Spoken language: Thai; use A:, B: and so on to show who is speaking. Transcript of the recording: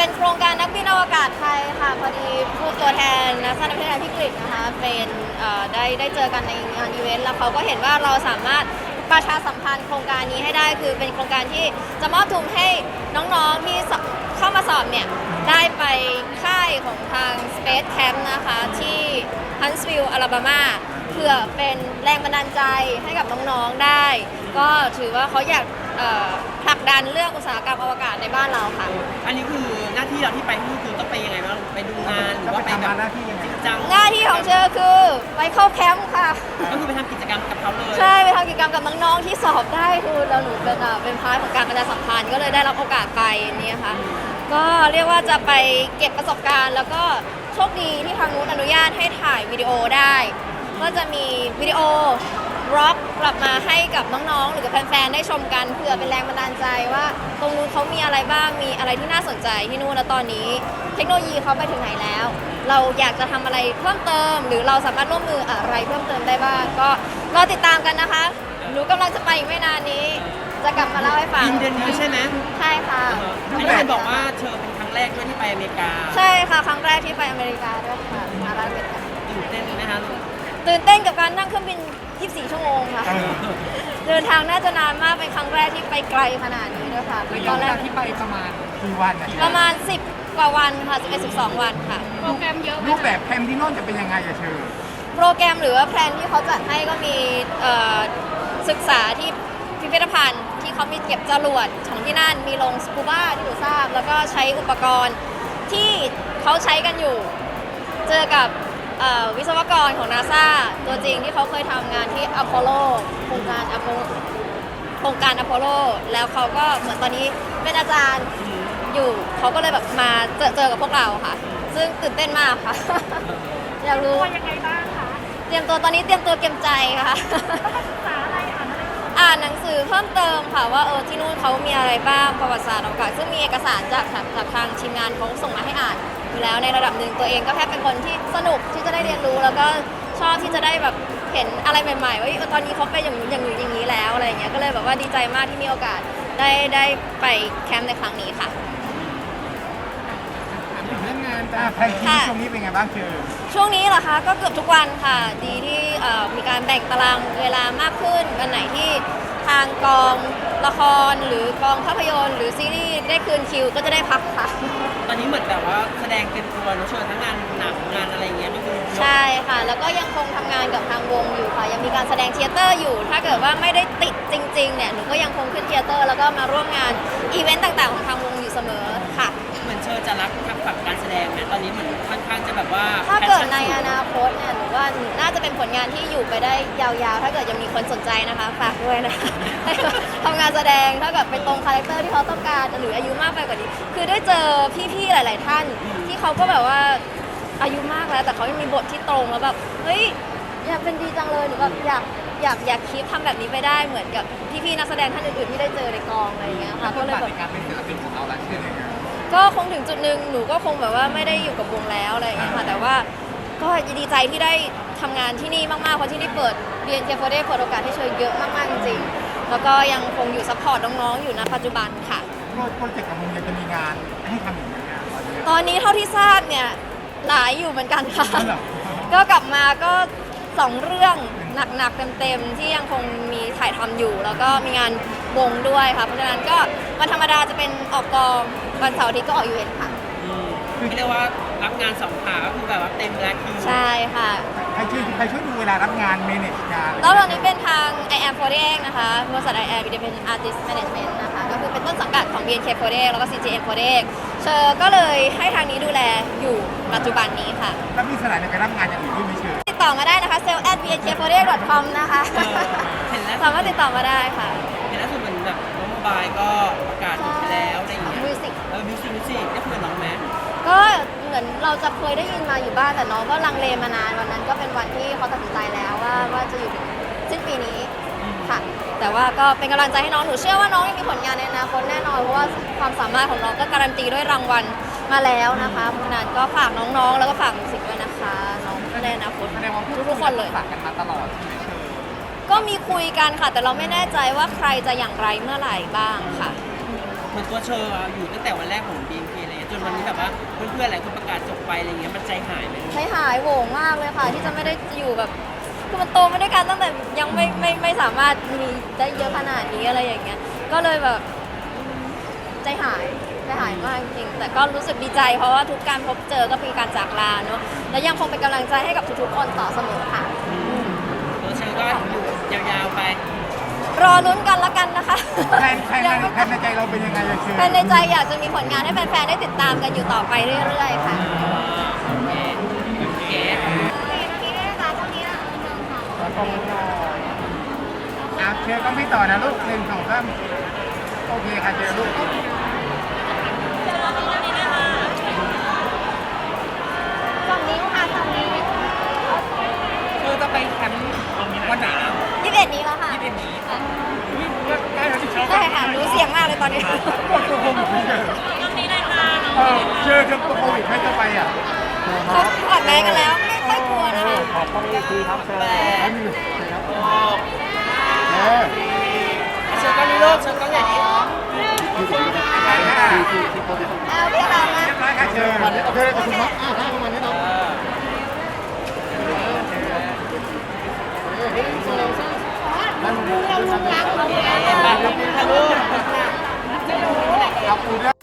A: เป็นโครงการนักบินอวกาศไทยค่ะพอดีผู้ตัวแทนนักสร้างประเทศไทยพี่กฤษนะคะเป็นได้เจอกันในงานอีเวนต์แล้วเขาก็เห็นว่าเราสามารถประชาสัมพันธ์โครงการนี้ให้ได้คือเป็นโครงการที่จะมอบทุนให้น้องๆที่เข้ามาสอบเนี่ยได้ไปค่ายของทาง Space Camp นะคะที่ Huntsville อลาบามาเพื่อเป็นแรงบันดาลใจให้กับน้องๆได้ ก็ถือว่าเขาอยากผลักดันเรื่องอุตสาหกรรมอวกาศในบ้านเราค่ะ
B: อันนี้คือหน้าที่เราที่ไปที่คือต้องไปยังไงบ้างไปดูงานหรือว่าไปแบบจริงจัง
A: หน้าที่ของเธอคือไปเข้าแคมป์ค่ะ
B: ก็คือไปทำกิจกรรมกับเขาเลย
A: ใช่ไปทำกิจกรรมกับน้องๆที่สอบได้คือเราหนูเป็นพาร์ทของการประชาสัมพันธ์ก็เลยได้รับโอกาสไปนี่ค่ะก็เรียกว่าจะไปเก็บประสบการณ์ แล้วก็โชคดีที่ทางนู้นอนุญาตให้ถ่ายวิดีโอได้ก็จะมีวิดีโอร็อกกลับมาให้กับน้องๆหรือกับแฟนๆได้ชมกันเพื่อเป็นแรงบันดาลใจว่าตรงนู้นเขามีอะไรบ้างมีอะไรที่น่าสนใจที่นู่นแล้วตอนนี้เทคโนโลยีเขาไปถึงไหนแล้ว เราอยากจะทำอะไรเพิ่มเติมหรือเราสามารถร่วมมืออะไรเพิ่มเติมได้บ้างก็รอติดตามกันนะคะหนูกำลังจะไปอีกไม่นานนี้ จะกลับมาเล่าให้ฟัง
B: บินเดือนนี้ใช่ไหม
A: ใช่ค่ะ
B: อันนี้เห็นบอกว่าเธอเป็นครั้งแรกด้วยที่ไปอเมริกา
A: ใช่ค่ะครั้งแรกที่ไปอเมริกาด้วยค่ะมาลาสเวกัส
B: ตื่นเต้นไหมคะ
A: ตื่นเต้นกับการนั่งเครื่องบิน 24 ชั่วโมงค่ะ เดินทางน่าจะนานมากเป็นครั้งแรกที่ไปไกลขนาดนี้ด้วยค่ะตอนแรก
C: ที่ไปประมาณกี่วันนะ
A: ประมาณ 10 กว่าวันค่ะ11-12 วันค่ะ
C: โปรแกรมเยอะรูปแบบแคมป์ที่โน่นจะเป็นยังไงอะเชิญ
A: โปรแกรมหรือว่าแพลนที่เขาจัดให้ก็มีศึกษาที่พิพิธภัณฑ์ที่เขามีเก็บจรวดของที่นั่นมีลงสกูบ้าที่หนูทราบ แล้วก็ใช้อุปกรณ์ที่เขาใช้กันอยู่ เจอกับวิศวกรของนาซาตัวจริงที่เขาเคยทำงานที่อพอลโลโครงการอพอลโลแล้วเขาก็เหมือนตอนนี้เป็นอาจารย์อยู่เขาก็เลยแบบมาเจอกับพวกเราค่ะ ซึ่งตื่นเต้นมากค่ะ อยากรู้
D: ยังไงบ้างคะ
A: เตรียมตัวตอนนี้เตรียมตัวเตรียมใจค่ะ
D: ศึกษาอะไรอ่านอะไร
A: อ่านหนังสือเพิ่มเติมค่ะว่าที่นู่นเขามีอะไรบ้างประวัติศาสตร์อวกาศซึ่งมีเอกสารจากทางทีมงานเขาส่งมาให้อ่านอยู่แล้วในระดับหนึ่งตัวเองก็แค่เป็นคนที่สนุกที่จะได้เรียนรู้ แล้วก็ชอบที่จะได้แบบเห็นอะไรใหม่ๆว่าตอนนี้เขาเป็นอย่างนู้นอย่างนี้อย่างนี้แล้วอะไรอย่างเงี้ยก็เลยแบบว่าดีใจมากที่มีโอกาสได้ไปแคมป์ในครั้งนี้ค่ะ
C: ถามถึงเรื่องงานจ้าแพลนชีวิตช่วงนี้เป็นไงบ้างเชิญ
A: ช่วงนี้เหรอคะก็เกือบทุกวันค่ะดีที่มีการแบ่งตารางเวลามากขึ้นวันไหนที่ทางกองละครหรือกองภาพยนตร์หรือซีรีส์ได้คืนคิวก็จะได้พักค่ะ
B: ตอนนี้เหมือนแบบว่าแสดงเต็มตัวเนอะเชิญทั้งงานหนังงานอะไรอย่างเงี้ยก็คือ
A: ใช่ค่ะแล้วก็ยังคงทำงานกับทางวงอยู่ค่ะยังมีการแสดงเทเตอร์อยู่ ถ้าเกิดว่าไม่ได้ติดจริงๆเนี่ยหนูก็ยังคงขึ้นเทเตอร์แล้วก็มาร่วมงานอีเวนต์ต่างๆของทางวงอยู่เสมอค่ะ
B: เหมือนเชิญจะรักกับฝักการแสดงนะตอนนี้เหมือนค่อนข้างจะแบบว่า
A: ถ้าเกิดในอนาคตเนี่ยหนูว่าน่าจะเป็นผลงานที่อยู่ไปได้ยาวๆ ถ้าเกิดยังมีคนสนใจนะคะฝากด้วยนะคะ ทำงานแสดงถ้าเกิดไปตรงคาแรคเตอร์ที่เขาต้องการหรืออายุมากไปกว่านี้ คือได้เจอพี่ๆหลาย ๆ ท่านที่เขาก็แบบว่าอายุมากแล้วแต่เขายังมีบทที่ตรงแล้วแบบเฮ้ยอยากเป็นดีจังเลยหรือแบบอยากคิดทำแบบนี้ไปได้เหมือนกับพี่ๆนักแสดงท่านอื่นๆที่ได้เจอในกองอะไรอย่างเงี้ยค่ะก็เลยแบบ
C: ในการเป็นศิลปินของเราแล้วเชิญยังไง
A: ก็คงถึงจุดหนึ่งหนูก็คงแบบว่าไม่ได้อยู่กับวงแล้วอะไรอย่างเงี้ยค่ะแต่ว่าก็ดีใจที่ได้ทำงานที่นี่มากๆเพราะที่นี่เปิด BNK48 เปิดโอกาสให้เชยเยอะมากๆจริงๆแล้วก็ยังคงอยู่ซัพพอร์ตน้องๆอยู่ณปัจจุบันค่ะ
C: โปรเจกต์ของมึงจะมีงานให้ทำอย่างไรงานตอนนี้
A: ตอนนี้เท่าที่ทราบเนี่ยหลายอยู่เหมือนกันค่ะ
C: อ๋อเหรอ
A: ก็กลับมาก็2เรื่องหนักๆเต็มๆที่ยังคงมีถ่ายทำอยู่ แล้วก็มีงานวงด้วยค่ะเพราะฉะนั้นก็วันธรรมดาจะเป็นออกกองวันเสาร์อาทิตย์ก็ออกอีเวนต์ค่ะ
B: คือเรียกว่ารับงานสองขาก็คือแบบว่าเต็มแล้วคิว
A: ใช่ค่ะ
C: ใครช่วยดูเวลารับงานเมเนจงาน
A: แล้วตอนนี้เป็นทาง I am 48นะคะบริษัท I am Independent Artist Management นะคะก็คือเป็นต้นสังกัดของ BNK48 แล้วก็ CGM48 เชอร์ก็เลยให้ทางนี้ดูแลอยู่ปัจจุบันนี้ค่ะ
C: แล้วมีสถานในการรับงานอย่างอื่นด้วยไหมเชิญ
A: ติดต่อมาได้นะคะ sale@bnk48.com นะคะ
B: เห็นแล้ว
A: สามารถติดต่อมาได้ค่ะ
B: เห็นแล้วคือเหมือนแบบน้องโมบายก็ประกาศไปแล้วอะไรอย่างเงี้ย
A: มิวสิก
B: มิวสิกได้คุยกับน้องไหม
A: ก็เหมือนเราจะเคยได้ยินมาอยู่บ้างแต่น้องก็ลังเลมานานวันนั้นก็เป็นวันที่เขาตัดสินใจแล้วว่าจะอยู่ถึงสิ้นปีนี้ค่ะ แต่ว่าก็เป็นกำลังใจให้น้องหนูเชื่อว่าน้องยังมีผลงานในอนาคตแน่นอนเพราะว่าความสามารถของน้องก็การันตีด้วยรางวัลมาแล้วนะคะเพราะฉะนั้นก็ฝากน้องๆ แล้วก็ฝากมิวสิกด้วยนะคะน้องในอนาคต
C: แสดงว่า
A: ทุกๆคนเลย
C: ฝากกันมาตลอดใช่ไหมเชิญ
A: ก็มีคุยกันค่ะ แต่เราไม่แน่ใจว่าใครจะอย่างไรเมื่อไหร่บ้างค่ะ
B: เหมือนตัวเชอร์อยู่ตั้งแต่วันแรกของ BNK เลยจนนวันนี้แบบว่าเพื่อนๆหลายคนประกาศจบไปอะไรเงี้ยมันใจหายไหม
A: ใจหายโหวงมากเลยค่ะ ที่จะไม่ได้อยู่แบบคือมันโตมาด้วยกันตั้งแต่ยังไม่สามารถมีได้เยอะขนาดนี้อะไรอย่างเงี้ยก็เลยแบบใจหายมากจริงๆแต่ก็รู้สึกดีใจเพราะว่าทุกการพบเจอก็มีการจากลาเนอะและยังคงเป็นกำลังใจให้กับทุกๆคนต่อเสมอค่ะ
B: ตัวเชอก็อยู่ยาวๆไป
A: รอลุ้นกันละกันนะคะ
C: แพนในใจเราเป็นยังไงอะเชอ
A: แฟนในใจอยากจะมีผลงานให้แฟนๆได้ติดตามกันอยู่ต่อไปเรื่อยๆค่ะ
B: เก๋
C: แล้วก็เชอก็ไม่ต่อนะลูก1 2 3โอเคค่ะเชอลูก
A: ฝั่งนี้ค่ะฝั่งนี้
B: คือจะไปแคมป์วันไหนนะ
A: 21นี้แล้วค่ะ
B: 21นี้
C: ได้แล้วที่ชอบ
A: ได้ค่ะรู้เสียงมากเลยตอนนี้
C: กดตัวโควิดไม่เจอเชอจะตัวโควิดไม่จะไปอ่ะ
A: เขาถอดแมสกันแล้วไม่ค่อยกลัวนะคะ
C: ขอบคุณอีกทีครับเชอไม่มีครับเออ
B: เชอก็รู้โลกเชอก็ใหญ่นี้
C: ไปค่ะ
A: เอาพี่ค่ะมา
C: เรียบร้อยค่ะเชอวันนี้โอเคขอบคุณมากประมาณนี้เนาะมันเราลงรักเรา
B: ไปขอบคุณค่ะลูก
C: ขอบคุณ